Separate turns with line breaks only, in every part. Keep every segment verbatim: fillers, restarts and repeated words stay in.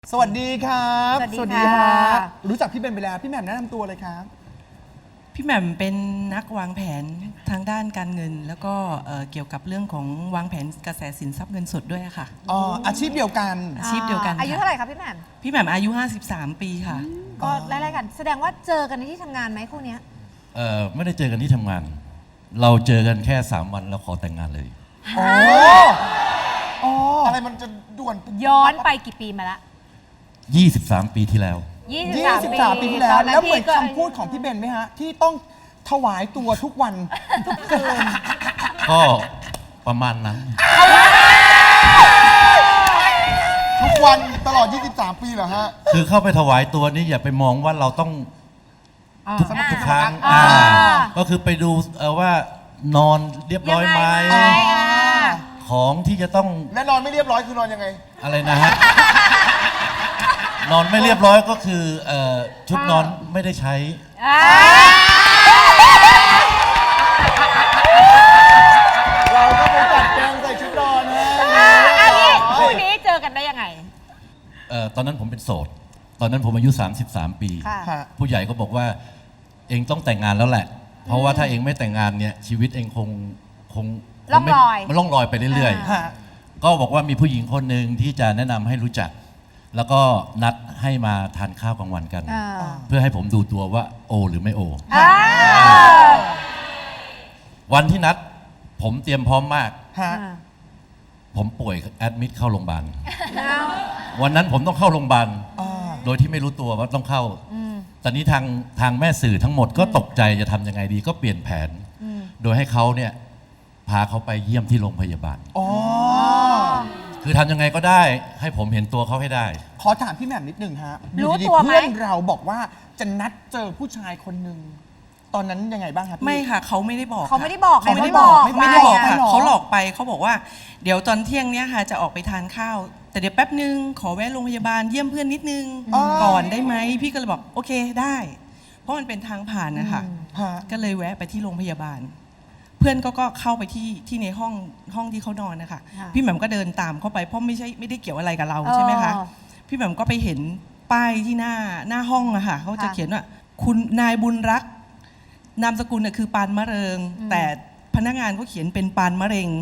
สวัสดีครับ
สวัสดีค่ะ
รู้จักพี่เบนไปแล้วพี่แหม่มแนะนำตัวเลยครับ
พี่แหม่มเป็นนักวางแผนทางด้านการเงิน แล้วก็เอ่อเกี่ยวกับเรื่องของวางแผนกระแสสินทรัพย์เงินสดด้วยค่ะ
อ๋ออาชีพเดียวกัน
อาชีพเดียวกัน
อายุ
ค่ะ
เท่าไหร่ครับพี่แหม่ม
พี่แหม่มอายุ ห้าสิบสาม ปีค่ะ
ก็ไล่ๆกัน แสดงว่าเจอกันในที่ทำงานไหมคู่เนี้ย
เอ่อไม่ได้เจอกันที่ทำงาน เราเจอกันแค่สามวันแล้วขอแต่งงานเลย
อ๋ออ๋ออะไรมันจะด่วน
ย้อนไปกี่ปีมาละ
ยี่สิบสาม ปีที่แล้ว
ยี่
ยี่
สิ
สิ
บบ สา
สาม ม
ปี
ปีที่แล้ว
ตอนนั้น
แล้วเหมือน
พี่ก็
คำพูดของพี่เบนไหมฮะ ที่ต้องถวายตัวทุกวัน ทุกคืน
ก็ประมาณนั้น
ทุกวันตลอด ยี่สิบสาม ปีเหรอฮะ
คือเข้าไปถวายตัวนี่อย่าไปมองว่าเราต้องทุก
อ่า
ทุกครั้ง
อ่า
อ่าก็คือไปดูเอ่อว่านอนเรียบร้อยไหม
ยังไงอ่ะ
ของที่จะต้อง
และนอนไม่เรียบร้อยคือนอนยังไง
อะไรนะฮะ นอนไม่เรียบร้อยก็คือเอ่อชุดนอนไม่ได้ใช้
อ่า
เราก็ไปจัดแจงใส่ชุดนอนให้
อ่าอันนี้คู่นี้เจอกันได้ยังไง
เอ่อตอนนั้นผมเป็นโสด ตอนนั้นผมอายุ สามสิบสาม ปี
ค่ะ
ฮะ
ผู้ใหญ่ก็บอกว่าเองต้องแต่งงานแล้วแหละ เพราะว่าถ้าเองไม่แต่งงานเนี่ยชีวิตเองคงคงค
ล่อง
ไม่
ลอย
มันล่องลอยไปเรื่อย
ฮะ
ๆ ก็บอกว่ามีผู้หญิงคนหนึ่งที่จะแนะนำให้รู้จัก แล้วก็นัดให้มาทานข้าวกลางวันกัน
อ่า
เพื่อให้ผมดูตัวว่าโอหรือไม่โอ
อ่า
วันที่นัดผมเตรียมพร้อมมาก
ฮะ
ผมป่วยแอดมิดเข้าโรงพยาบาล
เอา
วันนั้นผมต้องเข้าโรงพยาบาล
อ่า
โดยที่ไม่รู้ตัวว่าต้องเข้า
อืม
ตอนนี้ทางทางแม่สื่อทั้งหมดก็ตกใจจะทำยังไงดี ก็เปลี่ยนแผน
อืม
โดยให้เขาเนี่ยพาเขาไปเยี่ยมที่โรงพยาบาล
อ๋อ
คือทำยังไงก็ได้ให้ผมเห็นตัวเขาให้ได้
ขอถามพี่แหม่มนิดหนึ่งฮะ
รู้
อยู่ดีๆ
ตัวไหม
เพื่อนเราบอกว่าจะนัดเจอผู้ชายคนหนึ่งตอนนั้นยังไงบ้างครับพี่
ไม่ค่ะเขาไม่ได้บอก
เขา
ค่ะ
ไม่ได้บอก
เขาไม่ได้
เขา
บอก
ไม่
ไม่ได้บอก
ไม่
ค่ะ
หรอ
เขาหลอกไปเขาบอกว่าเดี๋ยวตอนเที่ยงเนี้ยค่ะจะออกไปทานข้าว แต่เดี๋ยวแป๊บนึงขอแวะโรงพยาบาลเยี่ยมเพื่อนนิดนึงก่อนได้ไหมพี่ก็เลยบอกโอเคได้ เพราะมันเป็นทางผ่านนะคะ
ฮะ
ก็เลยแวะไปที่โรงพยาบาล เพื่อนก็ก็เข้าไปที่ที่ในห้องห้องที่เขานอนนะคะ
ค่ะ
พี่แหม่มก็เดินตามเข้าไปเพราะไม่ใช่ไม่ได้เกี่ยวอะไรกับเราใช่ไหมคะ
อ๋อ
พี่แหม่มก็ไปเห็นป้ายที่หน้าหน้าห้องอะค่ะเขาจะ
ค่ะ
เขียนว่าคุณนายบุญรัก นามสกุลน่ะคือปานมะเริง แต่พนักงานก็เขียนเป็นปานมะเร็ง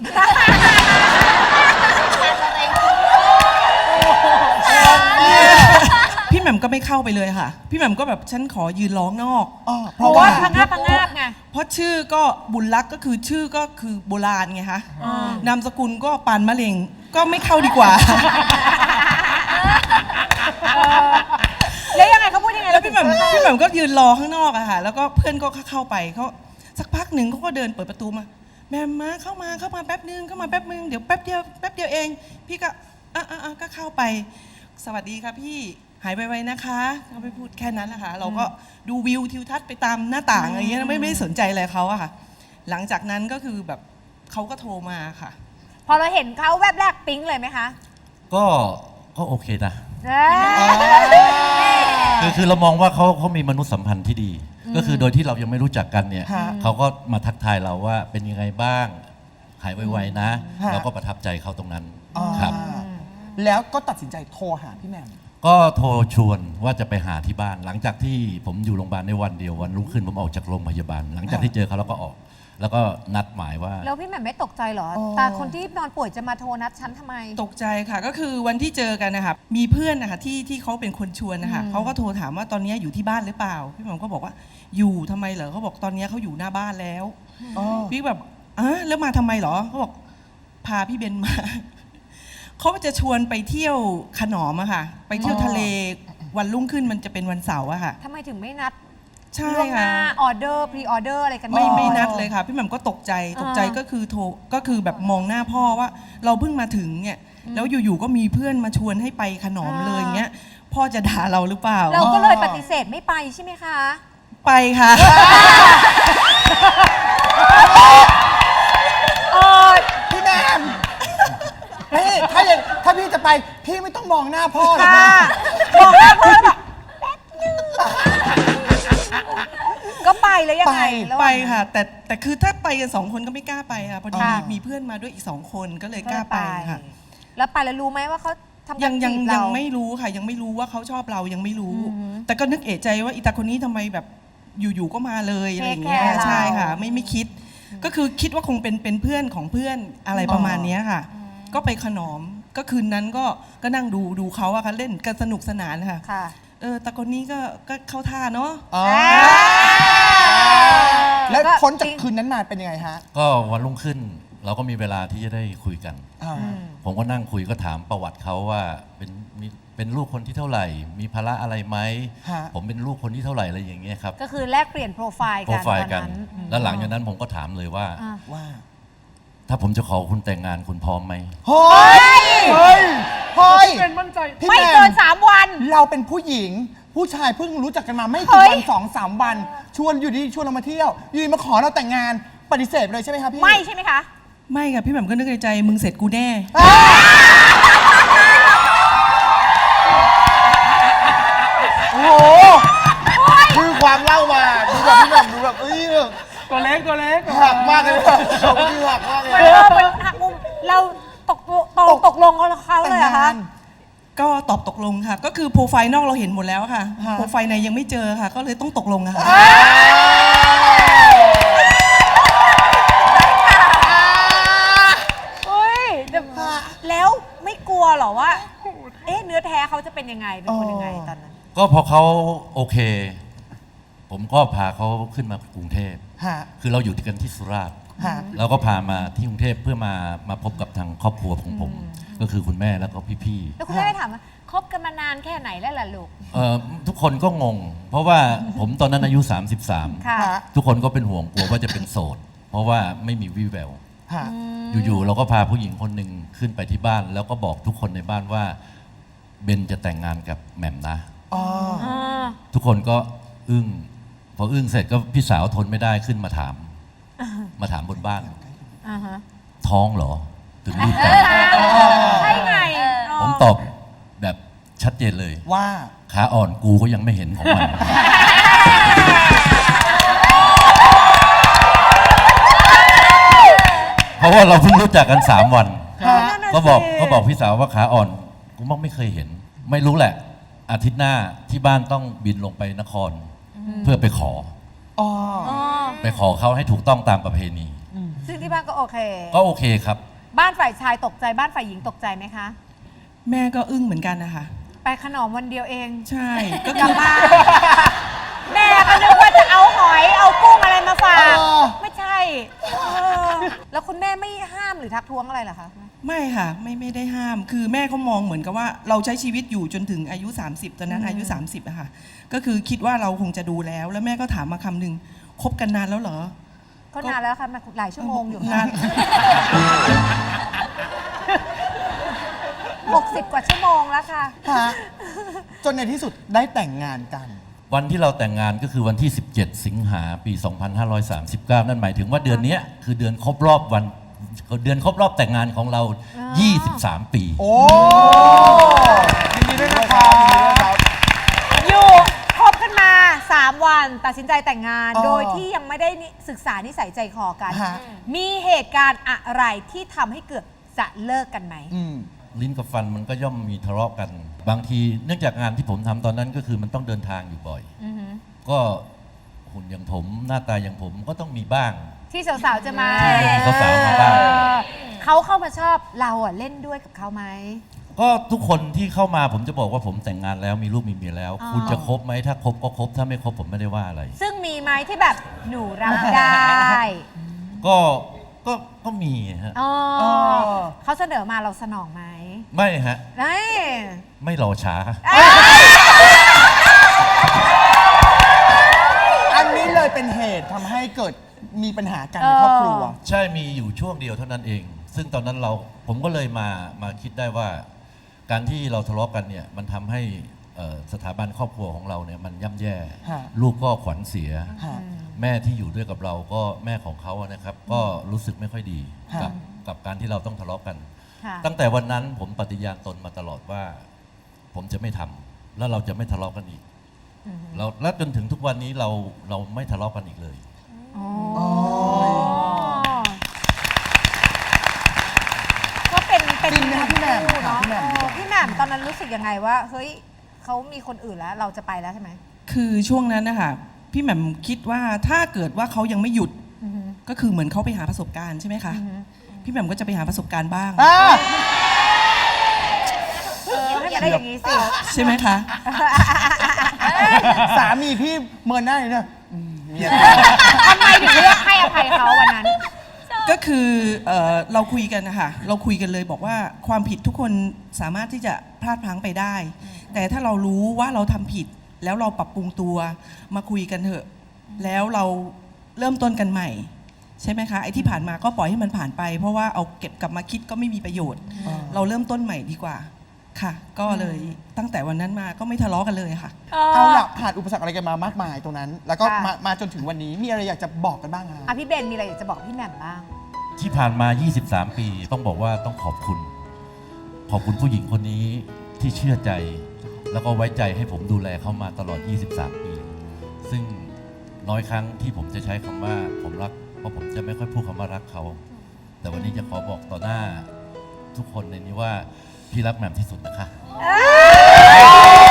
พี่แหม่มก็ไม่เข้าไปเลยค่ะ พี่แหม่มก็แบบฉันขอยืนร้องนอก
อ๋อเพ
เพ
ราะ
ราะ
ว่า
ว่าพังงาบพังงาบไง
เพราะชื่อก็บุญรักก็คือชื่อก็คือโบราณไงคะ
อ่าน
ามสกุลก็ปานมะเร็งก็ไม่เข้าดีกว่า
แล้วยังไงเขาพูดยังไง
แล้วพี่แหม่ม
เราถึง
พี่แหม่มก็ยืนรอข้างนอกอะค่ะ แล้วก็เพื่อนก็เข้าไปเขาสักพักหนึ่งเขาก็เดินเปิดประตูมาแหม่มมาเข้ามาเข้ามาแป๊บนึงเข้ามาแป๊บนึงเดี๋ยวแป๊บเดียวแป๊บเดียวเอง พี่ก็อ่ะอ่ะอ่ะก็เข้าไป สวัสดีค่ะพี่หายไปไวๆนะคะเขาไปพูดแค่นั้นแหละค่ะ เราก็ดูวิวทิวทัศน์ไปตามหน้าต่างอะไรอย่างเงี้ยไม่ไม่ได้สนใจอะไรเขาอะค่ะ หลังจากนั้นก็คือแบบเขาก็โทรมาค่ะ
พอเราเห็นเขาแวบแรกปิ๊งเลยไหมคะ
ก็ก็โอเคนะ
เอ้ย
คือคือเรามองว่าเขาเขามีมนุษยสัมพันธ์ที่ดี ก็คือโดยที่เรายังไม่รู้จักกันเนี่ย
ฮะ
เขาก็มาทักทายเราว่าเป็นยังไงบ้าง หายไวๆนะ
ฮะ
เราก็ประทับใจเขาตรงนั้น
อ่า
ครับ
แล้วก็ตัดสินใจโทรหาพี่แหม่ม
ก็โทรชวนว่าจะไปหาที่บ้าน หลังจากที่ผมอยู่โรงพยาบาลในวันเดียววันรุ่งขึ้นผมออกจากโรงพยาบาล หลังจากที่เจอเขาแล้วก็ออก แล้วก็นัดหมายว่า
แล้วพี่แหม่มไม่ตกใจเหรอ
อ๋อ
ตาคนที่นอนป่วยจะมาโทรนัดฉันทำไม
ตกใจค่ะก็คือวันที่เจอกันนะคะมีเพื่อนนะคะที่ที่เขาเป็นคนชวนนะคะ
อืม
เขาก็โทรถามว่าตอนนี้อยู่ที่บ้านหรือเปล่า พี่หม่อมก็บอกว่าอยู่ทำไมเหรอเขาบอกตอนนี้เขาอยู่หน้าบ้านแล้ว
อ๋อ
พี่แบบอ่ะแล้วมาทำไมเหรอเขาบอกพาพี่เบนมา เขาจะชวนไปเที่ยวขนอมอะค่ะ ไปเที่ยวทะเลวันรุ่งขึ้นมันจะเป็นวันเสาร์อะค่ะ
ทำไมถึงไม่นัด
ใช่
ล่วงห
ค่ะ
น้าออเดอร์พรีออเดอร์อะไรกัน
ไม่
ก่อน
ไม่นัดเลยค่ะ พี่แหม่มก็ตกใจตกใจ
อ่า
ก็คือโทรก็คือแบบมองหน้าพ่อว่า เราเพิ่งมาถึงเนี่ยแล้วอยู่ๆก็มีเพื่อนมาชวนให้ไปขนอมเลยอย่างเงี้ยพ่อจะด่าเราหรือเปล่า
เราก็เลยปฏิเสธไม่ไปใช่ไหมคะ
ไปค่ะ
เออ
พี่แหม่มพี่ถ้าอย่างถ้าพี่จะไปพี่ไม่ต้องมองหน้าพ่อหรอก
ค่ะ
นะ
บอกแล้วพ่อแล้วแบบแป๊บนึงก็ไปแล้วยังไงแล้ว
ไปค่ะ แต่แต่คือถ้าไปกันสองคนก็ไม่กล้าไปค่ะพอดี
ค่ะ
มีเพื่อนมาด้วยอีกสองคนก็เลยก
ก็
ล้า
ไป
ไปค่ะ
แล้วไปแล้วรู้ไหมว่าเขาทำ
ยั
การ
งยั
จี
ง
บ
ยั
เรา
งไม่รู้ค่ะ ยังไม่รู้ว่าเขาชอบเรายังไม่รู้
อือหือ
แต่ก็นึกเอะใจว่าอีตาคนนี้ทำไมแบบอยู่ๆก็มาเลยอะไรอย่างเงี้ย
Take care เรา
ใช่ค่ะ ไม่ไม่คิด ก็คือคิดว่าคงเป็นเป็นเพื่อนของเพื่อนอะไรประมาณเนี้ยค่ะ ก็ไปขนอมก็คืนนั้นก็ก็นั่งดูดูเขาอะค่ะเล่นกันสนุกสนานค่ะ
ค่ะ
เออตาคนนี้ก็ก็เข้าท่าเนาะ
อ๋อแล้วพ้นจากคืนนั้นมาเป็นยังไงฮะ
ก็วันรุ่งขึ้นเราก็มีเวลาที่จะได้คุยกัน
อ่า
ผมก็นั่งคุยก็ถามประวัติเขาว่าเป็นมีเป็นลูกคนที่เท่าไหร่ มีภาระอะไรไหม
ฮะ
ผมเป็นลูกคนที่เท่าไหร่อะไรอย่างเงี้ยครับ
ก็คือแลกเปลี่ยนโปรไฟล์
โปร
กัน
ไฟล์
ต
กั
อน นนั้น
แล้วหลังจากนั้นผมก็ถามเลยว่า
อ่ะ
ว่า
ถ้าผมจะขอคุณแต่งงานคุณพร้อมไหม
เฮ้ย เฮ้ย เฮ้ยพี่
ไม่
แห
เกิ
ม่
นสามวัน
เราเป็นผู้หญิง ผู้ชายเพิ่งรู้จักกันมาไม่
เฮ้
กี่
ย
วันสองสามวัน ชวนอยู่ดีชวนเรามาเที่ยวอยู่ดีมาขอเราแต่งงานปฏิเสธเลยใช่ไหมครับพี่
ไม่ใช่ไหมคะ
ไม่ค่ะพี่แหม่มก็นึกในใจมึงเสร็จกูแน่
โอ้โหคือความเล่ามาดูแบบพี่แหม่มดูแบบเอ้ยแบบ
ตัวเล็กตัวเล็ก
หักมากเลยชมที่หักมากเลย
เออเป็นหักมุมเราตกตกตกลงกับเขาเลยเหรอคะ
ก็ตอบตกลงค่ะ ก็คือโปรไฟล์นอกเราเห็นหมดแล้วค่ะ
ฮะ
โปรไฟล์ในยังไม่เจอค่ะ ก็เลยต้องตกลงอะค่ะ
เฮ้ยแต่แล้วไม่กลัวเหรอว่า เอ๊ะเนื้อแท้เขาจะเป็นยังไง เป็นคนยังไงตอนนั้น
ก็พอเขาโอเค ผมก็พาเขาขึ้นมากรุงเทพ
ฮะ
คือเราอยู่กันที่สุราษฎร์
ฮะ
เราก็พามาที่กรุงเทพเพื่อมามาพบกับทางครอบครัวของผม ก็คือคุณแม่แล้วก็พี่ๆ
แล้วคุณแม่ได้ถามว่าคบกันมานานแค่ไหนแล้วล่ะลูก
เอ่อทุกคนก็งง เพราะว่าผมตอนนั้นอายุ สามสิบสาม
ค่ะ
ฮะ
ทุกคนก็เป็นห่วงกลัวว่าจะเป็นโสด เพราะว่าไม่มีวี่แวว
ฮะ
อยู่ๆเราก็พาผู้หญิงคนหนึ่งขึ้นไปที่บ้าน แล้วก็บอกทุกคนในบ้านว่าเบนจะแต่งงานกับแหม่มนะ
อ๋อ
ทุกคนก็อึ้งพออึ้งเสร็จก็พี่สาวทนไม่ได้ขึ้นมาถาม มาถามบนบ้าน
อ่าฮะ
ท้องเหรอ ถึงรีบแต่ง
ใช่ไง
ผมตอบแบบชัดเจนเลย
ว่า
ขาอ่อนกูก็ยังไม่เห็นของมัน เพราะว่าเราเพิ่งรู้จักกันสามวัน
นั่นน่ะ
ก็บอก
สิ
ก็บอกพี่สาวว่าขาอ่อนกูมองไม่เคยเห็น ไม่รู้แหละ อาทิตย์หน้าที่บ้านต้องบินลงไปนคร เพื่อไปขอ
อ๋อ
อ๋อ
ไปขอเขาให้ถูกต้องตามประเพณี
ซึ่งที่บ้านก็โอเค
ก็โอเคครับ
บ้านฝ่ายชายตกใจบ้านฝ่ายหญิงตกใจไหมคะ
แม่ก็อึ้งเหมือนกันนะคะ
ไปขนมวันเดียวเอง
ใช่ ก็
กลั
คื
บ
อ
บ้านแม่ก็นึกว่าจะเอาหอยเอากุ้งอะไรมาฝาก
เออ
ไม่ใช่เออแล้วคุณแม่ไม่ห้ามหรือทักท้วงอะไรเหรอคะ
ไม่ค่ะ ไม่ไม่ได้ห้าม คือแม่เขามองเหมือนกับว่าเราใช้ชีวิตอยู่จนถึงอายุ สามสิบ ตอนนั้นอายุ สามสิบอะค่ะ ก็คือคิดว่าเราคงจะดูแล้ว แล้วแม่ก็ถามมาคำหนึ่งคบกันนานแล้วเหรอ
ก็นานแล้วค่ะมาหลายชั่วโมงอยู่
นาน
หกสิบกว่าชั่วโมงแล้วค่ะ
ฮะ จนในที่สุดได้แต่งงานกัน
วันที่เราแต่งงานก็คือวันที่ สิบเจ็ด สิงหาปี สองพันห้าร้อยสามสิบเก้า นั่นหมายถึงว่าเดือนเนี้ยคือเดือนครบรอบวันเดือนครบรอบแต่งงานของเรา ยี่สิบสาม ปี
โอ้ยินดีด้วยนะครับ
อยู่คบกันมาสามวันตัดสินใจแต่งงาน
อ๋อ
โดยที่ยังไม่ได้นิศึกษานิสัยใจคอกัน
ฮะ
มีเหตุการณ์อะไรที่ทำให้เกิดจะเลิกกันไหม
อืม
ลิ้นกับฟันมันก็ย่อมมีทะเลาะกัน บางทีเนื่องจากงานที่ผมทำตอนนั้นก็คือมันต้องเดินทางอยู่บ่อย
อือหือ
ก็หุ่นอย่างผมหน้าตาอย่างผมก็ต้องมีบ้าง
ที่สาวๆจะมา
ที่สาวๆมาบ้าง
เออเขาเข้ามาชอบเราอ่ะเล่นด้วยกับเขาไหม
ก็ทุกคนที่เข้ามาผมจะบอกว่าผมแต่งงานแล้วมีลูกมีเมียแล้ว
อ๋อ
คุณจะคบไหมถ้าคบก็คบถ้าไม่คบผมไม่ได้ว่าอะไร
ซึ่งมีไหมที่แบบหนูรับได้
ก็ก็ก็มีฮะ
อ๋อ
อ๋อ
เขาเสนอมาเราสนองไหม
ไม่ฮะ
ไม่
ไม่รอช้า
อันนี้เลยเป็นเหตุทำให้เกิดมีปัญหากันในครอบครัว
ใช่มีอยู่ช่วงเดียวเท่านั้นเอง ซึ่งตอนนั้นเราผมก็เลยมามาคิดได้ว่า การที่เราทะเลาะกันเนี่ยมันทำให้เอ่อสถาบันครอบครัวของเราเนี่ยมันย่ำแย่
ฮะ
ลูกก็ขวัญเสีย
ฮะ
แม่ที่อยู่ด้วยกับเราก็แม่ของเขาอะนะครับ ก็รู้สึกไม่ค่อยดี
ฮะ
กับกับการที่เราต้องทะเลาะกัน
ค่ะ
ตั้งแต่วันนั้นผมปฏิญาณตนมาตลอดว่า ผมจะไม่ทำแล้วเราจะไม่ทะเลาะกันอีกเราและจนถึงทุกวันนี้เราเราไม่ทะเลาะกันอีกเลย
อ๋อก็เป็นเป็น
จริงไหมคะพี่แหม่ม
เนาะ
พี่แหม่ม
เออพี่แหม่มมตอนนั้นรู้สึกยังไงว่าเฮ้ยเขามีคนอื่นแล้วเราจะไปแล้วใช่ไหม
คือช่วงนั้นนะคะพี่แหม่มคิดว่าถ้าเกิดว่าเขายังไม่หยุด
อือฮึ
ก็คือเหมือนเขาไปหาประสบการณ์ใช่ไหมคะ
อือฮึ
พี่แหม่มก็จะไปหาประสบการณ์บ้าง
อ่า
เออให้มันได้อย่างนี้สิ
ใช่ไหมคะ
สามีพี่เมินหน้าเลยเนี่ยอืมเมีย
ทำไมถึงเลือกให้อภัยเขาวันนั้น
ก็คือเอ่อเราคุยกันนะคะเราคุยกันเลยบอกว่าความผิดทุกคนสามารถที่จะพลาดพลั้งไปได้ แต่ถ้าเรารู้ว่าเราทำผิดแล้วเราปรับปรุงตัวมาคุยกันเถอะ แล้วเราเริ่มต้นกันใหม่ ใช่ไหมคะไอ้ที่ผ่านมาก็ปล่อยให้มันผ่านไป เพราะว่าเอาเก็บกลับมาคิดก็ไม่มีประโยชน์ เราเริ่มต้นใหม่ดีกว่าค่ะ ก็เลยตั้งแต่วันนั้นมาก็ไม่ทะเลาะกันเลยค่ะ
เอาล่ะผ่านอุปสรรคอะไรกันมามากมายตรงนั้น แล้วก็
ค่ะ
มามาจนถึงวันนี้มีอะไรอยากจะบอกกันบ้างคะ
อ่ะพี่เบนมีอะไรอยากจะบอกพี่แหม่มบ้าง
ที่ผ่านมา ยี่สิบสาม ปี ต้องบอกว่าต้องขอบคุณ ขอบคุณผู้หญิงคนนี้ที่เชื่อใจ แล้วก็ไว้ใจให้ผมดูแลเขามาตลอด ยี่สิบสาม ปี ซึ่งน้อยครั้งที่ผมจะใช้คำว่าผมรัก เพราะผมจะไม่ค่อยพูดคำว่ารักเขา แต่วันนี้จะขอบอกต่อหน้าทุกคนในนี้ว่าพี่รักแหม่มที่สุดนะคะ
เ